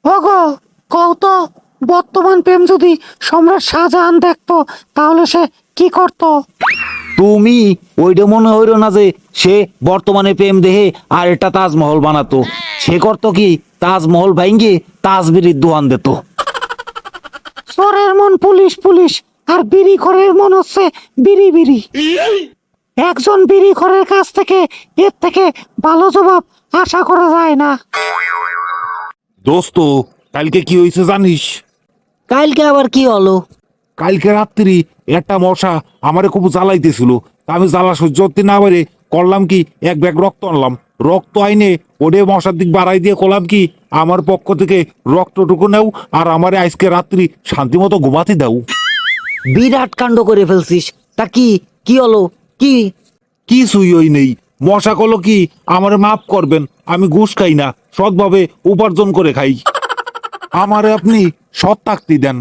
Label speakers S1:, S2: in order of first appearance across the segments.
S1: ওগো, কও তো, বর্তমান প্রেম যদি সম্রাট শাহজাহান দেখতো তাহলে সে কি করতো?
S2: তুমি ওইটা মনে হইল না যে সে বর্তমানে প্রেম দেহে আর এটা তাজমহল বানাতো। সে করতো কি, তাজমহল ভাঙ্গে তাজবিরির দোয়ান দিত।
S1: চোরের মন পুলিশ পুলিশ, আর বিড়ি খোরের মন হচ্ছে বিড়ি বিড়ি। একজন বিড়ি খোরের কাছ থেকে এর থেকে ভালো জবাব আশা করা যায় না।
S3: দোস্ত, কালকে কি হয়েছে জানিস?
S2: কালকে আবার কি হলো?
S3: কালকে রাত্রি একটা মশা আমারে খুব জ্বালাইতেছিল। আমি জ্বালা সহ্য করতে না পারে করলাম কি, এক ব্যাগ রক্ত আনলাম। রক্ত আইনে ওরে মশার দিক বাড়াই দিয়ে করলাম কি, আমার পক্ষ থেকে রক্তটুকু নেও আর আমারে আজকে রাত্রি শান্তি মতো ঘুমাতে দাও।
S2: বিরাট কাণ্ড করে ফেলছিস। তা কি কি হলো? কি?
S3: কিছুই ওই নেই। মশা কলো কি, আমারে মাফ করবেন, আমি ঘুষ খাই না, সৎভাবে উপার্জন করে খাই। আমারে আপনি সৎ থাকতে দেন।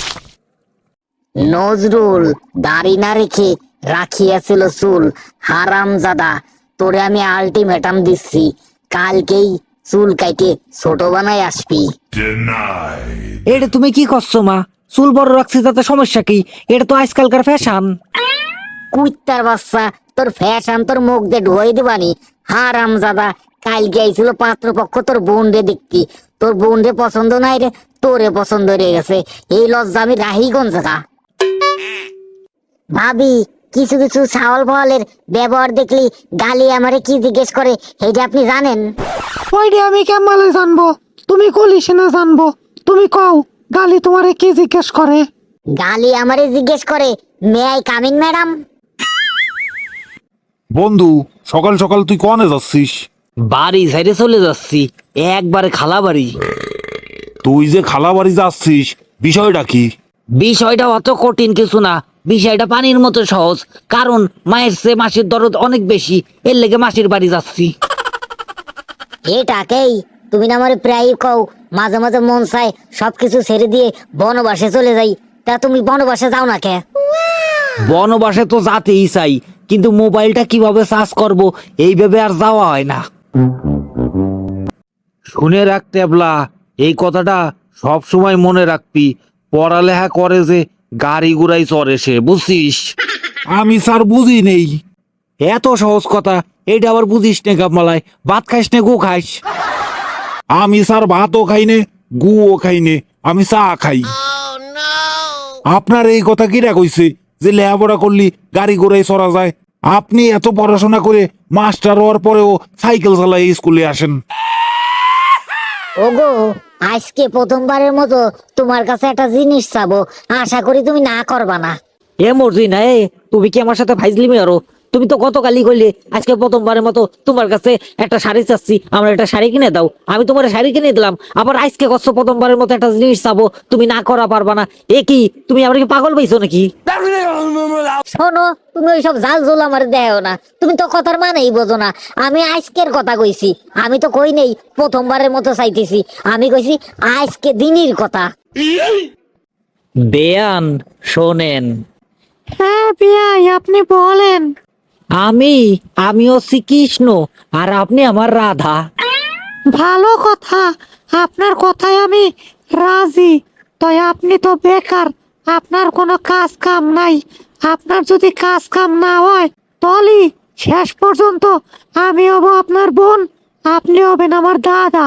S4: নজরুল দাড়ি না রেখে রাখিয়াছিল চুল। হারামজাদা, তোরে আমি আলটিমেটাম দিচ্ছি, কালকেই চুল কাইটে ছোট বানাই আসবি।
S2: এটা তুমি কি করছো মা? চুল বড় রাখছি তাতে সমস্যা কি? এটা তো আজকালকার ফ্যাশন।
S4: কুইত্তার বাচ্চা, তোর ফ্যাশন তোর মুখ দিয়ে ঢুয়াই দিবানি। হারামজাদা, কালকে আইছিল পাত্রপক্ষ তোর বোন রে দেখতি। তোর বোন রে পছন্দ নাই রে, তোরে পছন্দ হয়ে গেছে। এই লজ্জা আমি রাহি কোন জায়গা? ভাবি, কিছু কিছু ছাওয়াল ফাওয়ালের ব্যবহার দেখলি গালি আমারে কি জিজ্ঞেস করে, এটা আপনি জানেন?
S1: ওইটা আমি কেমনে জানবো? তুমি কলিস না জানবো? তুমি কও, গালি তোমারে কি জিজ্ঞেস করে?
S4: গালি আমারে জিজ্ঞেস করে, মে আই কামিং ম্যাডাম?
S3: বন্ধু, সকাল সকাল তুই কনে যাচ্ছিস?
S2: বাড়ি সাইডে চলে যাচ্ছি, একবারে খালা বাড়ি।
S3: তুই যে খালা বাড়ি যাচ্ছিস, বিষয়টা কি?
S2: বিষয়টা অত কঠিন কিছু না, বিষয়টা পানির মতো সহজ। কারণ মায়ের চেয়ে মাসির দরদ অনেক বেশি, এর লেগে মাসির বাড়ি যাচ্ছি।
S4: এটাকেই তুমি না আমারে প্রায় কও মাঝে মাঝে মন চায় সবকিছু ছেড়ে দিয়ে বনবাসে চলে যাই। তা তুমি বনবাসে যাও না কে?
S2: বনবাসে তো যাতেই চাই, কিন্তু মোবাইলটা কিভাবে চার্জ করব এইভাবে আর যাওয়া হয় না। শুনে রাখ টেবলা, এই কথাটা সব সময় মনে রাখবি। পড়ালেখা করে যে গাড়ি ঘুরাই চড়ে সে, বুঝছিস?
S3: আমি স্যার বুঝি নেই।
S2: এত সহজ কথা এইটা আবার বুঝিস নে গাবমালায়? ভাত খাইস নে গু খাইস?
S3: আমি স্যার ভাতও খাই নে, গুও খাই নে, আমি চা খাই। আপনার এই কথা কিরা কইছে যে লেখাপড়া করলি গাড়ি ঘোড়ায় চড়া যায়? আপনি এত পড়াশোনা করে মাস্টার হওয়ার পরেও সাইকেল চালাই স্কুলে আসেন।
S4: ওগো, আজকে প্রথমবারের মতো তোমার কাছে একটা জিনিস চাবো, আশা করি তুমি না করবা না।
S2: এ মর্জি না, এ তুমি কি আমার সাথে ফাইজলিমি আরো? তুমি তো গতকালই কইলে আজকে প্রথমবারের মতো তোমার কাছে একটা শাড়ি চাচ্ছি, আমার একটা শাড়ি কিনে দাও। আমি তোমার শাড়ি কিনে দিলাম, আবার আজকে কষ্ট প্রথমবারের মতো একটা জিনিস চাবো, তুমি না করা পারবা না। এ কি, তুমি আমার কি পাগল পাইছো নাকি?
S4: শোনো, তুমি ওইসব জাল জোল আমার দেও না, তুমি তো কথার মানেই বোঝো না। আমি আজকের কথা কইছি, আমি তো কই নেই প্রথমবারের মতো চাইতেছি, আমি কইছি আজকে দিনের কথা।
S2: বেয়ান শোনেন।
S1: হ্যাঁ বিয়াই, আপনি বলেন।
S2: আমি হচ্ছি কৃষ্ণ আর আপনি আমার রাধা।
S1: ভালো কথা, আপনার কথায় আমি রাজি। তাই আপনি তো বেকার, আপনার কোনো কাজ কাম নাই। আপনার যদি কাজ কাম না হয় তাহলে শেষ পর্যন্ত আমি হব আপনার বোন, আপনি হবেন আমার দাদা।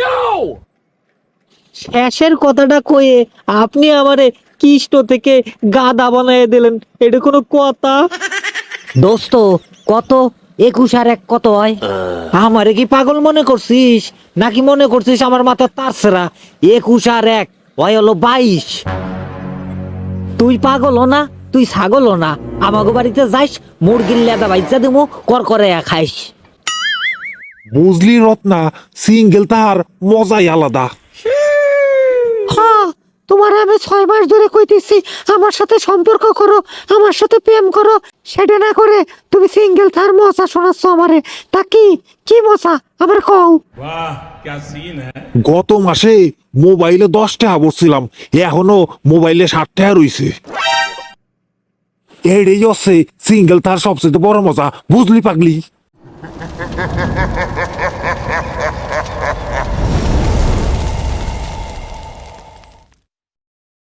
S2: শেষের কথাটা কয়ে আপনি আমারে কৃষ্ণ থেকে গাধা বানিয়ে দিলেন, এটা কোনো কথা? দোস্ত, কত 21 আর 1 কত হয়? আমারে কি পাগল মনে করছিস নাকি মনে করছিস আমার মাথা তারছেরা? 21 আর 1 হয় হলো 22। তুই পাগল না, তুই ছাগল না। আমাগো বাড়িতে যাইস, মুরগির লেদা বাইচা দিমু, কর করে খাইস।
S3: বুঝলি রত্না, সিঙ্গেল তার মজাই আলাদা।
S1: হ্যাঁ, তোমার আমি 6 মাস ধরে কইতেছি আমার সাথে সম্পর্ক করো, আমার সাথে প্রেম করো, সেটা না করে তুমি সিঙ্গেল থার মজা শোনাচ্ছ আমারে। তা কি কি মজা আমার কও?
S3: গত মাসে মোবাইলে 10 টাকা বসছিলাম, এখনো মোবাইলে 60 টাকা রইছে। এটাই হচ্ছে সিঙ্গেল তার সবচেয়ে বড় মজা, বুঝলি পাগলি?